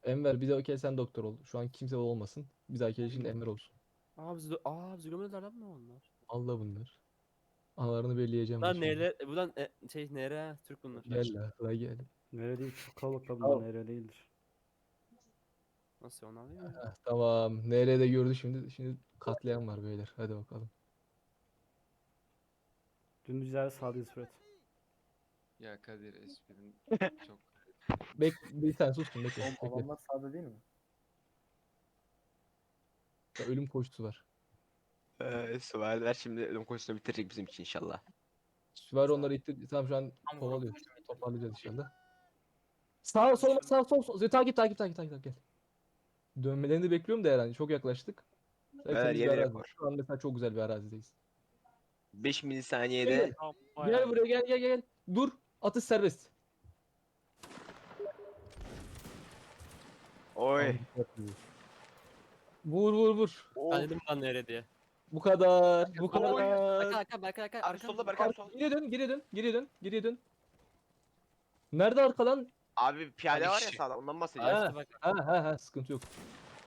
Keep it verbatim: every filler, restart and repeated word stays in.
Enver bir dahaki el sen doktor ol. Şu an kimse olmasın. Bir dahaki el şimdi Enver olsun. Aa biz aa biz gömüyorlar mı onlar? Allah bunlar. Analarını belleyeceğim ben Bunlar şimdi. nere? Buradan e, şey nere? Türk bunlar. Gel la. La gel. Nere değil, çok kalabalık da bunlar, Tamam. nere değildir. Nasıl onlar değil mi? Heh, tamam. Nerede gördü şimdi. Şimdi katliam var beyler. Hadi bakalım. Dümdüz ileride sağdayız Fırat. Ya Kadir esprin çok Bek bir sen sustun bekle. Oğlum Bekle. adamlar sağda değil mi? Ya, ölüm koşusu var. Ee, süvariler şimdi ölüm koşusunu bitirecek bizim için inşallah. Süvari onları itti. Tamam şu an Tam kovalıyor. vurulmuştum. Toparlayacağız inşallah. Sağ sol sağ sol sol. Takip takip takip takip takip gel. Dönmelerini bekliyorum da herhalde çok yaklaştık. Beyler, Hepimiz bir yeni arazi. rekor. Şu an mesela çok güzel bir arazideyiz. beş milisaniyede Tam Gel bayağı. buraya gel gel gel. Dur. Atış serbest. oy. Vur vur vur. Ben dedim lan nere diye. Bu kadar. Bu Arka kadar. arka Berkay arka Abi arka. solda Berkay abi sol. Geriye dön, geriye dön, geriye dön, geriye dön. Nerede arkadan? Abi piyade Abi var ya kişi. sağda ondan bahsediyorum. Ha, Açtı bak. ha, ha, ha, sıkıntı yok.